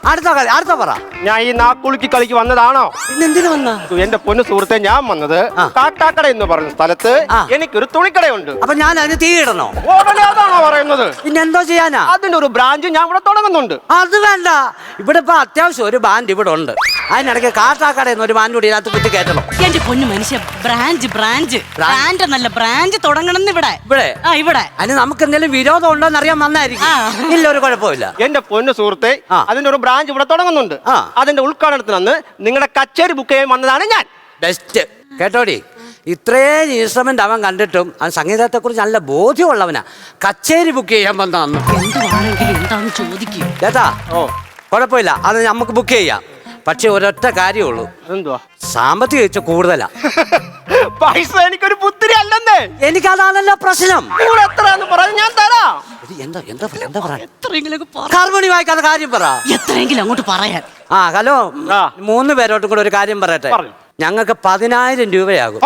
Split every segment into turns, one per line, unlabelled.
അടുത്ത പറ.
ഞാൻ ഈ നാക്കുളുക്കി കളിക്ക് വന്നതാണോ?
പിന്നെന്തിനു വന്ന?
എന്റെ പൊന്നു സുഹൃത്തെ, ഞാൻ വന്നത് കാട്ടാക്കട എന്ന് പറഞ്ഞ സ്ഥലത്ത് എനിക്കൊരു തുണിക്കടയുണ്ട്.
അപ്പൊ ഞാൻ അതിന് തീ ഇടണോ?
ഉടനെ അതാണോ പറയുന്നത്?
പിന്നെ എന്തോ ചെയ്യാനാ?
അതിന്റെ ഒരു ബ്രാഞ്ച് ഞാൻ ഇവിടെ തുടങ്ങുന്നുണ്ട്.
അത് വേണ്ട, ഇവിടെ ഇപ്പൊ അത്യാവശ്യം ഒരു ബാൻഡ് ഇവിടെ ഉണ്ട്. അതിനിടയ്ക്ക് കാട്ടാക്കടയെന്ന് ഒരു ബാൻഡ് കൂടി ഇതിനകത്ത് കുത്തി കയറ്റണം.
എന്റെ പൊന്നു മനുഷ്യ, ബ്രാഞ്ച് നല്ല ബ്രാഞ്ച് തുടങ്ങണം ഇവിടെ.
അതിന് നമുക്ക് എന്തെങ്കിലും വിരോധം ഉണ്ടോന്ന് അറിയാൻ വന്നായിരിക്കും. ഇല്ല, ഒരു കുഴപ്പമില്ല.
എന്റെ പൊന്നു സുഹൃത്തെ, അതിന്റെ ഒരു ബ്രാഞ്ച് ഇവിടെ തുടങ്ങുന്നുണ്ട്. അതിന്റെ ഉദ്ഘാടനത്തിന് അന്ന് നിങ്ങളുടെ കച്ചേരി ബുക്ക് ചെയ്യാൻ വന്നതാണ് ഞാൻ.
ബെസ്റ്റ് കേട്ടോടി. ഇത്രയും ഇൻസ്ട്രുമെന്റ് അവൻ കണ്ടിട്ടും അവൻ സംഗീതത്തെ കുറിച്ച് നല്ല ബോധ്യമുള്ളവനാ. കച്ചേരി ബുക്ക് ചെയ്യാൻ വന്നാന്ന്
എന്താന്ന് ചോദിക്കും
ചേട്ടാ. കുഴപ്പമില്ല, അത് നമുക്ക് ബുക്ക് ചെയ്യാം. പക്ഷെ ഒരൊറ്റ കാര്യമുള്ളൂ.
എന്തുവാ?
സാമ്പത്തിക വെച്ച് കൂടുതലാ.
പൈസ എനിക്കൊരു പുത്തിരി അല്ലെന്നേ.
എനിക്കതാണല്ലോ പ്രശ്നം.
എത്രയാന്ന് പറഞ്ഞു ഞാൻ തരാം.
എന്താ പറയാ? കാർമണി വായിക്കാത്ത കാര്യം പറ.
എത്രയെങ്കിലും അങ്ങോട്ട് പറയാൻ.
ഹലോ, 3 പേരോട്ടും കൂടെ ഒരു കാര്യം പറയട്ടെ. ഞങ്ങൾക്ക് 10,000 രൂപയാകും.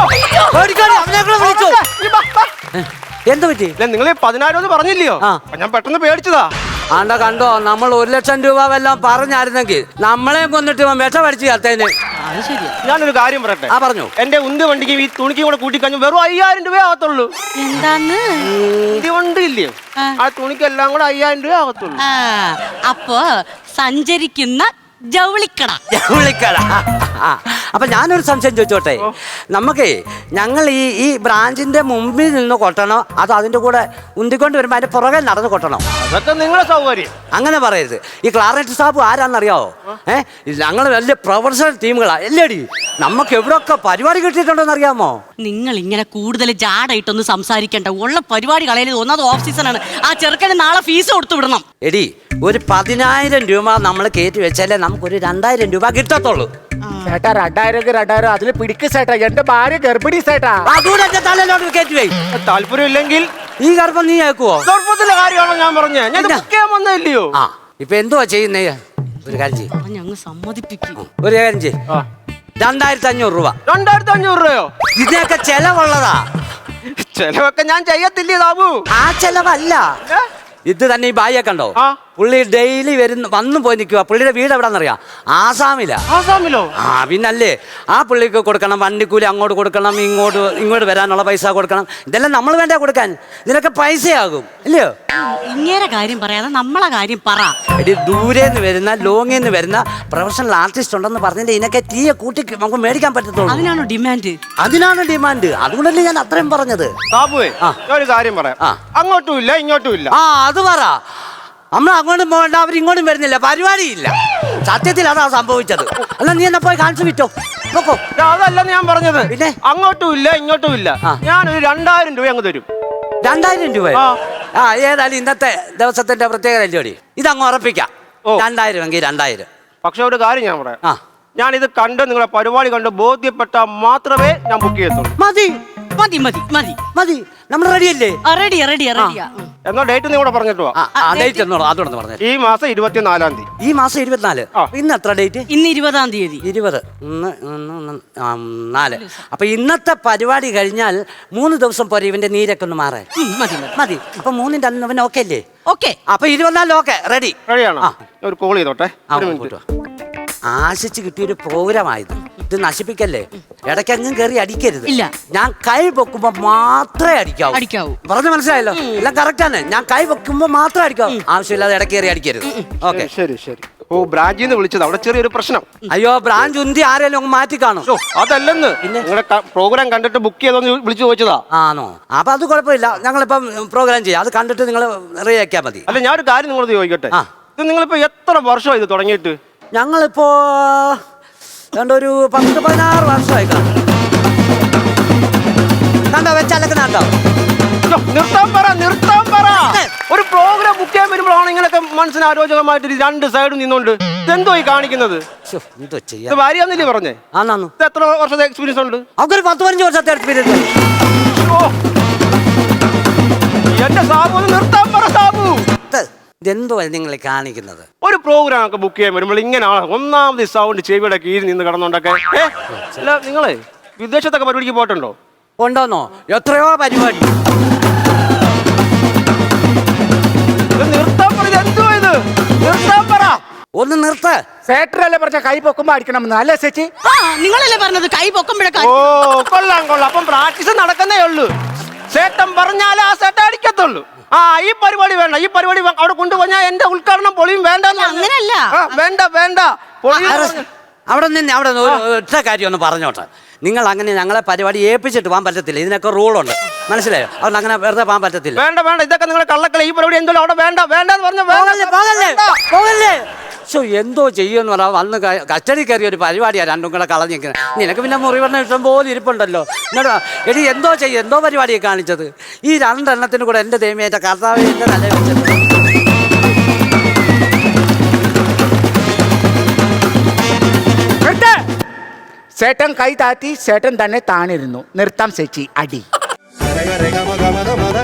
എന്ത് പറ്റി?
നിങ്ങൾ 10,000 എന്ന് പറഞ്ഞില്ലയോ? ഞാൻ പെട്ടെന്ന് പേടിച്ചതാ.
കണ്ടോ, നമ്മൾ 1,00,000 രൂപ വല്ലതും പറഞ്ഞായിരുന്നെങ്കിൽ നമ്മളെ കൊന്നിട്ട് വിഷ പഠിച്ചു ചേർത്തേന്.
ഞാനൊരു കാര്യം പറയട്ടെ.
പറഞ്ഞു.
എന്റെ ഉന്ത് വണ്ടിക്ക് ഈ തുണിക്കും കൂടെ കൂട്ടിക്കഴിഞ്ഞു വെറും 5,000 രൂപ ആകത്തുള്ളൂ.
എന്താന്ന്?
വണ്ടി ഇല്ലയോ, ആ തുണിക്ക് എല്ലാം കൂടെ 5,000 രൂപ ആകത്തുള്ളൂ.
അപ്പൊ സഞ്ചരിക്കുന്ന ജൗളിക്കട.
അപ്പൊ ഞാനൊരു സംശയം ചോദിച്ചോട്ടെ. ഞങ്ങൾ ഈ ബ്രാഞ്ചിന്റെ മുമ്പിൽ നിന്ന് കൊട്ടണോ അതോ അതിന്റെ കൂടെ ഉന്തിക്കൊണ്ട് വരുമ്പോ അതിന്റെ പുറകെ നടന്ന് കൊട്ടണോ?
അതൊക്കെ നിങ്ങളെ സൗകര്യം.
അങ്ങനെ പറയരുത്. ഈ ക്ലാരറ്റ് സാബ് ആരാന്നറിയാവോ? ഞങ്ങൾ വലിയ പ്രൊഫഷണൽ ടീമുകളാ. എല്ലേടി, നമുക്ക് എവിടെയൊക്കെ പരിപാടി കിട്ടിയിട്ടുണ്ടോന്ന് അറിയാമോ?
നിങ്ങൾ ഇങ്ങനെ കൂടുതൽ ജാടായിട്ടൊന്നും സംസാരിക്കണ്ട. ഉള്ള പരിപാടി കളയിൽ ഒന്നത് ഓഫ് സീസൺ ആണ്. ആ ചെറുക്കന് നാളെ ഫീസ് കൊടുത്തു വിടണം.
എടി, ഒരു 10,000 രൂപ നമ്മൾ കയറ്റി വെച്ചാലേ നമുക്കൊരു 2,000 രൂപ കിട്ടത്തുള്ളൂ.
ചേട്ടാ 2,000 അതില് പിടിക്ക് ചേട്ടാ. എന്റെ ഭാര്യ ഗർഭിണി ചേട്ടാ.
അതുകൂടെ എന്റെ തലയിലോട്ട് കയറ്റി വേ.
താല്പര്യം ഇല്ലെങ്കിൽ
ഈ ഗർഭം നീ കേൾക്കുവോ?
ഗർഭത്തിന്റെ കാര്യമാണോ ഞാൻ പറഞ്ഞേ? ഞാൻ വന്നില്ലയോ?
ഇപ്പൊ എന്തുവാ ചെയ്യുന്നേ? ഒരു കാര്യം ചെയ്യും,
ഞങ്ങൾ സമ്മതിപ്പിക്കും.
ഒരു കാര്യം ചെയ്യും. 2,500 രൂപ.
2,500 രൂപയോ?
ഇതിനൊക്കെ ചെലവുള്ളതാ.
ചെലവൊക്കെ ഞാൻ ചെയ്യത്തില്ലേ ബാബു?
ആ ചെലവല്ല ഇത് തന്നെ. ഈ ബായിയെ കണ്ടോ? പുള്ളി ഡെയിലി വന്നു പോയി നിൽക്കുക. പുള്ളിയുടെ വീട് എവിടാന്നറിയാം?
ആസാമിലോ?
പിന്നല്ലേ. ആ പുള്ളിക്ക് കൊടുക്കണം വണ്ടിക്കൂലി, അങ്ങോട്ട് കൊടുക്കണം, ഇങ്ങോട്ട് വരാനുള്ള പൈസ കൊടുക്കണം. ഇതെല്ലാം നമ്മൾ വേണ്ട കൊടുക്കാൻ. ഇതിനൊക്കെ പൈസയാകും ഇല്ലയോ?
ഇങ്ങനെ കാര്യം പറയാതെ നമ്മളെ കാര്യം പറ.
എടി, ദൂരേന്ന് വരുന്ന ലോങ്ങിന്ന് വരുന്ന പ്രൊഫഷണൽ ആർട്ടിസ്റ്റ് ഉണ്ടെന്ന് പറഞ്ഞിട്ട് ഇതിനൊക്കെ തീയെ കൂട്ടി നമുക്ക് മേടിക്കാൻ പറ്റത്തുള്ളൂ.
അതിനാണോ ഡിമാൻഡ്?
അതിനാണ് ഡിമാൻഡ്. അതുകൊണ്ടല്ലേ ഞാൻ അത്രയും പറഞ്ഞത്.
ബാബുവേ, ഒരു കാര്യം പറയാം. അങ്ങോട്ടും ഇല്ല ഇങ്ങോട്ടും ഇല്ല.
അത് പറ. നമ്മൾ അങ്ങോട്ടും പോകണ്ട, അവരിങ്ങോട്ടും വരുന്നില്ല, പരിപാടിയില്ല. സത്യത്തിൽ അതാ സംഭവിച്ചത്. അല്ല, നീ എന്നാ പോയി കാണിച്ചു വിറ്റോ. നോക്കോ,
അതല്ലെന്ന് ഞാൻ പറഞ്ഞത്.
പിന്നെ
അങ്ങോട്ടും ഇല്ല ഇങ്ങോട്ടും ഇല്ല. ഞാനൊരു 2,000 രൂപ അങ്ങ് തരും.
2,000 രൂപ? ഏതായാലും ഇന്നത്തെ ദിവസത്തിന്റെ പ്രത്യേകത അല്ലോടി. ഇതങ്ങ് ഉറപ്പിക്കാം. 2,000 എങ്കിൽ 2,000.
പക്ഷെ ഒരു കാര്യം ഞാൻ പറയാം. ഞാനിത് കണ്ട് നിങ്ങളെ പരിപാടി കണ്ട് ബോധ്യപ്പെട്ട മാത്രമേ ഞാൻ ബുക്ക് ചെയ്യത്തുള്ളൂ.
മതി
മതി മതി മതി
മതി. നമ്മൾ റെഡിയല്ലേ?
റെഡിയാ.
എന്നാ ഡേറ്റ് നീ കൂടെ പറഞ്ഞിട്ട് വാ.
അതോടൊന്ന് പറഞ്ഞു.
ഈ മാസം 24-ാം തീയതി.
ഈ മാസം 24. ഇന്ന് എത്ര ഡേറ്റ്?
ഇന്ന് 20-ാം തീയതി.
20. 4. അപ്പൊ ഇന്നത്തെ പരിപാടി കഴിഞ്ഞാൽ 3 ദിവസം പോരെ ഇവന്റെ നീരൊക്കെ ഒന്ന് മാറാൻ? മതി. അപ്പൊ 3-ന്റെ അന്ന് ഇവൻ ഓക്കെ അല്ലേ?
ഓക്കെ.
അപ്പൊ 24 ഓക്കെ.
റെഡിയാണോ? ഒരു കോൾ ചെയ്തോട്ടെ.
ആശിച്ച് കിട്ടിയൊരു പ്രോഗ്രാമായത്. ഇത് നശിപ്പിക്കല്ലേ. ഇടയ്ക്കെങ്ങും കയറി അടിക്കരുത്.
ഇല്ല,
ഞാൻ കൈ വെക്കുമ്പോ മാത്രമേ അടിക്കാവൂ. പറഞ്ഞു മനസ്സിലായല്ലോ? എല്ലാം കറക്റ്റ് ആണ്. ഞാൻ കൈ വെക്കുമ്പോ മാത്രമേ അടിക്കാവൂ. ആവശ്യമില്ലാതെ ഇടയ്ക്ക് കയറി അടിക്കരുത്. ഓക്കെ,
ശരി. ബ്രാഞ്ചിൽ നിന്ന് വിളിച്ചത്. അവിടെ ചെറിയൊരു പ്രശ്നം.
അയ്യോ, ബ്രാഞ്ച് ഉന്തി ആരെങ്കിലും അങ്ങ് മാറ്റി കാണും.
അതല്ലെന്ന്, നിങ്ങളുടെ പ്രോഗ്രാം കണ്ടിട്ട് ബുക്ക് ചെയ്തോന്ന് വിളിച്ചു ചോദിച്ചതാ.
ആണോ? അപ്പൊ അത് കുഴപ്പമില്ല. ഞങ്ങളിപ്പം പ്രോഗ്രാം ചെയ്യാം. അത് കണ്ടിട്ട് നിങ്ങൾ റെഡിയാക്കിയാൽ മതി.
അല്ല, ഞാൻ ഒരു കാര്യം നിങ്ങളോട് ചോദിക്കട്ടെ. ഇത് നിങ്ങളിപ്പോ എത്ര വർഷമായി ഇത് തുടങ്ങിയിട്ട്?
ഞങ്ങളിപ്പോ ഒരു 10-16 വർഷമായി കാണും. കണ്ടോ വെച്ചാലൊക്കെ കണ്ടോ?
നിർത്താൻ പറ. ഒരു പ്രോഗ്രാം ബുക്ക് ചെയ്യാൻ വരുമ്പോഴാണ് ഇങ്ങനെയൊക്കെ മനസ്സിന് ആരോഗ്യമായിട്ട് 2 സൈഡും നിന്നോണ്ട് ഇതെന്തോ ഈ കാണിക്കുന്നത്? ഇത് ഭാര്യയാന്നല്ലേ പറഞ്ഞേ? ഇത് എത്ര വർഷത്തെ എക്സ്പീരിയൻസ് ഉണ്ട്?
അവർക്ക് 10-15 വർഷത്തെ എക്സ്പീരിയൻസ്.
എന്റെ സാബു, ഒന്ന് നിർത്താൻ പറ സാബു.
ഇതെന്തോ നിങ്ങൾ കാണിക്കുന്നത്?
ഒരു പ്രോഗ്രാം ഒക്കെ ബുക്ക് ചെയ്യാൻ വരുമ്പോൾ ഇങ്ങനെയാണ് ഒന്നാമത് സൗണ്ട് ചെവിയുടെ കീഴിൽ നിന്ന് കിടന്നുണ്ടൊക്കെ. അല്ല, നിങ്ങളെ വിദേശത്തൊക്കെ പരിപാടിക്ക് പോയിട്ടുണ്ടോ?
കൊണ്ടോന്നോ? എത്രയോ പരിപാടി.
നിർത്താൻ പറ. എന്തോ ഇത്? നിർത്താൻ പറ.
ഒന്ന് നിർത്ത്.
സേട്ടറല്ലേ പറഞ്ഞ കൈ പൊക്കുമ്പോ അടിക്കണം അല്ലേ ചേച്ചി?
ആ നിങ്ങളല്ലേ പറഞ്ഞത് കൈ പൊക്കുമ്പോഴൊക്കെ
ഓ കൊള്ളാം കൊള്ളാം. അപ്പം പ്രാക്ടീസ് നടക്കുന്നേ ഉള്ളൂ. ചേട്ടൻ പറഞ്ഞാലേ ആ ചേട്ടൻ അടിക്കത്തുള്ളൂ. ആ ഈ പരിപാടി വേണ്ട, ഈ പരിപാടി അവിടെ കൊണ്ടുപോയാൽ എന്റെ ഉദ്ഘാടനം പൊളിയും. വേണ്ട
അങ്ങനെയല്ല.
വേണ്ട വേണ്ട പൊളി.
അവിടെ നിന്ന് അവിടെ നിന്ന് ഒരു ഒറ്റ കാര്യം ഒന്ന് പറഞ്ഞോട്ടെ. നിങ്ങൾ അങ്ങനെ ഞങ്ങളെ പരിപാടി ഏൽപ്പിച്ചിട്ട് പോകാൻ പറ്റത്തില്ല. ഇതിനൊക്കെ റൂളുണ്ട്, മനസ്സിലായോ? അതുകൊണ്ട് അങ്ങനെ വെറുതെ പോകാൻ പറ്റത്തില്ല.
വേണ്ട വേണ്ട, ഇതൊക്കെ നിങ്ങളെ കള്ളക്കളി. ഈ പരിപാടി എന്തോ അവിടെ വേണ്ട വേണ്ട എന്ന് പറഞ്ഞ
എന്തോ ചെയ്യുമെന്ന് പറയാം. വന്ന് കസ്റ്റഡി കയറിയ ഒരു പരിപാടിയാണ് രണ്ടും കൂടെ കളഞ്ഞിരിക്കുന്നത്. നിനക്ക് പിന്നെ മുറിവെണ്ണ ഇഷ്ടം പോലെ ഇരിപ്പുണ്ടല്ലോ. എന്നോട് എടി എന്തോ ചെയ്യും, എന്തോ പരിപാടിയാണ് കാണിച്ചത്. ഈ രണ്ടെണ്ണത്തിന് കൂടെ എൻ്റെ ദൈവമേറ്റ കർത്താവ് എൻ്റെ തല വെച്ചത്.
ചേട്ടൻ കൈ താത്തി ചേട്ടൻ തന്നെ താണിരുന്നു. നിർത്താം ചേച്ചി അടി.